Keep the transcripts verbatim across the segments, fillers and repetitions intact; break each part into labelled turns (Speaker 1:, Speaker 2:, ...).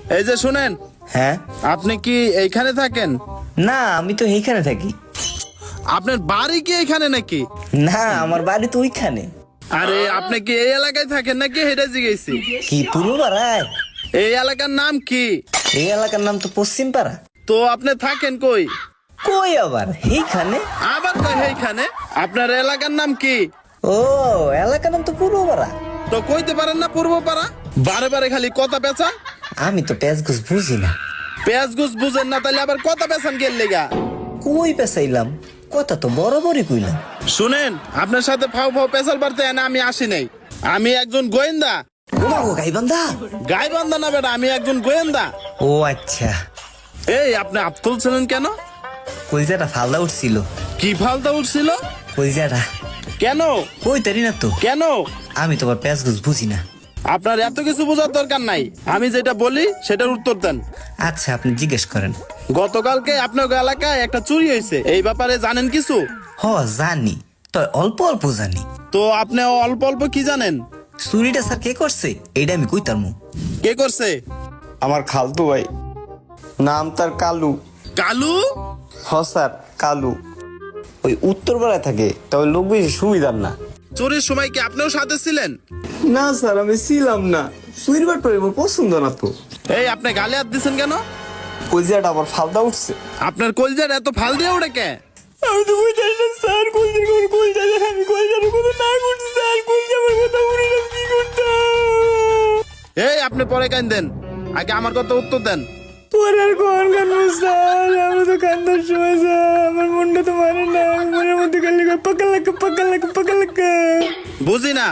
Speaker 1: এই যে শুনেন,
Speaker 2: হ্যাঁ
Speaker 1: আপনি কি এইখানে থাকেন?
Speaker 2: না, আমি তো এইখানে থাকি।
Speaker 1: আপনার বাড়ি কি এখানে নাকি?
Speaker 2: না, আমার বাড়ি তো ওইখানে।
Speaker 1: আরে আপনি কি এই এলাকায় থাকেন নাকি হেঁটে জিগেছি?
Speaker 2: কি পূর্ব পাড়ায়?
Speaker 1: এই এলাকার নাম কি?
Speaker 2: এই এলাকার নাম তো পশ্চিম পাড়া।
Speaker 1: তো আপনি থাকেন কই?
Speaker 2: কই আবার এইখানে?
Speaker 1: আবার কই এইখানে? আপনার এলাকার নাম কি?
Speaker 2: ও, এলাকার নাম তো পূর্ব পাড়া।
Speaker 1: তো কইতে পারেন না পূর্বপাড়া? বারে বারে খালি কথা পেঁচান।
Speaker 2: আমি তো পেঁচ ঘুষ বুঝি না।
Speaker 1: পেঁয়াজ গুছ বুঝেন না তাহলে আবার কথা পেঁচান গেল লেগা?
Speaker 2: কই পেঁচাইলাম? কথা তো বরাবরই কইলাম।
Speaker 1: শুনেন, আপনার সাথে ফাও ফাও পেঁচাল পারতে না আমি আসি নাই। আমি একজন গোয়েন্দা।
Speaker 2: ও মা গো, গাইবান্ধা?
Speaker 1: গাইবান্ধা না বেটা, আমি একজন গোয়েন্দা।
Speaker 2: ও আচ্ছা।
Speaker 1: এই আপনি আপ তুলছিলেন কেন?
Speaker 2: কলজাটা ফালদা উঠছিল।
Speaker 1: কি ফালতা উঠছিল?
Speaker 2: কলজাটা
Speaker 1: কেন?
Speaker 2: কই তারি না তো।
Speaker 1: কেন?
Speaker 2: আমি তোমার পেঁচ ঘুষ বুঝি না।
Speaker 1: আপনার এত কিছু বোঝার দরকার নাই, আমি যেটা বলি সেটার উত্তর দেন।
Speaker 2: আচ্ছা, আপনি জিজ্ঞেস করেন।
Speaker 1: গতকালকে আপনার এলাকায় একটা চুরি হয়েছে, এই ব্যাপারে জানেন কিছু?
Speaker 2: হ, জানি, তো অল্প অল্প জানি।
Speaker 1: তো আপনি অল্প অল্প কি জানেন?
Speaker 2: চুরিটা স্যার কে করছে এইটা আমি কইতারমু।
Speaker 1: কে করছে?
Speaker 3: আমার খালতু ভাই, নাম তার কালু।
Speaker 1: কালু?
Speaker 3: হ স্যার, কালু। ওই উত্তরপাড়ায় থাকে, তবে লোক বেশি সুবিধার না।
Speaker 1: চুরির সময় কি আপনিও সাথে ছিলেন?
Speaker 3: না স্যার, আমি ছিলাম না। চুরির ব্যাপারে আমার পছন্দ না তো।
Speaker 1: এই আপনি গালে হাত দিচ্ছেন কেন?
Speaker 3: কলজাটা আবার ফালদা উঠছে।
Speaker 1: আপনার কলজার এত ফাল দিয়ে ওঠে কে?
Speaker 3: আমি তো বুঝতে না স্যার, কলজার কোন কলজা, আমি কলজার কথা না করছি স্যার, কলজা আমার কথা উড়ে না, কি করতাম?
Speaker 1: এই আপনি পরে কান দেন, আগে আমার কথা উত্তর দেন।
Speaker 3: পরে আর কোন কান্না স্যার, আমি তো কান্দার সময় স্যার, আমার মনটা তো মানে না, মনের মধ্যে খালি পাকা লাগা পাকা লাগা পাকা লাগা।
Speaker 1: বুঝি না,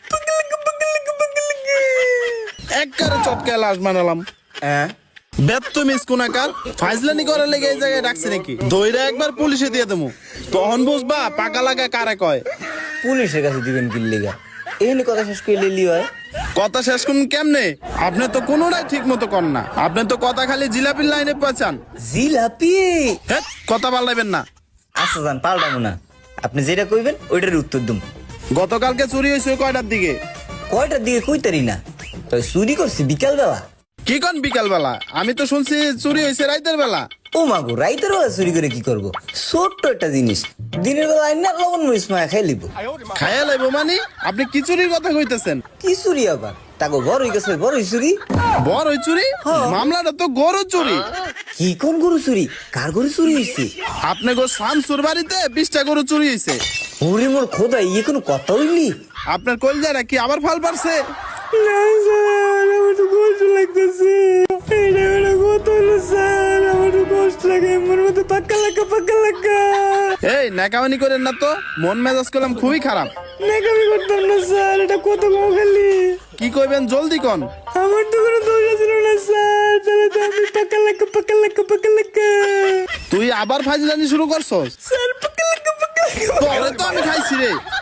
Speaker 1: এক কারে চটকে লাশ বানালাম।
Speaker 3: হ্যাঁ,
Speaker 1: ব্যর্থ মিস কোনাকার ফাইজলানি করার লেগে এই জায়গায় রাখছি নাকি? দইরা একবার পুলিশে দিয়ে দেবো, তখন বুঝবা পাকা লাগা কারে কয়।
Speaker 2: পুলিশের কাছে দিবেন কি লিগা? এখানে কথা শেষ করে লিলি হয়।
Speaker 1: কথা শেষ করুন কেমনে? আপনি তো কোনোটাই ঠিক মতো কর না, আপনি তো কথা খালি জিলাপির লাইনে পাচান।
Speaker 2: জিলাপি?
Speaker 1: হ্যাঁ, কথা পাল্টাইবেন না।
Speaker 2: আচ্ছা যান, পাল্টাবো না। আপনি যেটা কইবেন ওইটার উত্তর দুম।
Speaker 1: গতকালকে চুরি হয়েছে কয়টার দিকে?
Speaker 2: কয়টার দিকে কইতারি না, তবে চুরি করছি বিকাল বেলা।
Speaker 1: কি কোন বিকাল বেলা? আমি তো শুনছি চুরি হয়েছে রাইতের বেলা।
Speaker 2: ও মাগো, রাইতের বেলা চুরি করে কি করব? ছোট্ট একটা জিনিস, দিনের বেলা আইন না লবণ মরিচ মায়া খাই লিব।
Speaker 1: খায়া লাইবো মানে? আপনি কি চুরির কথা কইতেছেন?
Speaker 2: কি চুরি আবার? তাকে বড় হয়ে গেছে, বড় চুরি।
Speaker 1: বড় ওই চুরি? মামলাটা তো গরু চুরি।
Speaker 2: কি কোন গরু চুরি? কার গরু চুরি হয়েছে?
Speaker 1: আপনি গো শামসুর বাড়িতে বিশটা গরু চুরি হয়েছে।
Speaker 2: ওরে মোর খোদা, ইয়ে কোনো কথা হইলি?
Speaker 1: আপনার কলজারা কি আবার ফাল পারছে?
Speaker 3: না স্যার, আমার তো কষ্ট লাগতেছে। এটা একটা কথা হলো স্যার, আমার তো কষ্ট লাগে, আমার মধ্যে পাক্কা লাগা পাক্কা লাগা।
Speaker 1: এই নাকামানি করেন না তো, মন মেজাজ করলাম খুবই খারাপ।
Speaker 3: নাকামি করতাম না স্যার, এটা কত কম খালি।
Speaker 1: কি কইবেন জলদি কন।
Speaker 3: আমার তো কোনো দোষ ছিল না স্যার, তাহলে তো আমি পাক্কা লাগা পাক্কা লাগা পাক্কা লাগা।
Speaker 1: তুই আবার ফাইজলানি শুরু করছস?
Speaker 3: স্যার পাক্কা লাগা পাক্কা লাগা।
Speaker 1: তোরে তো আমি খাইছি রে।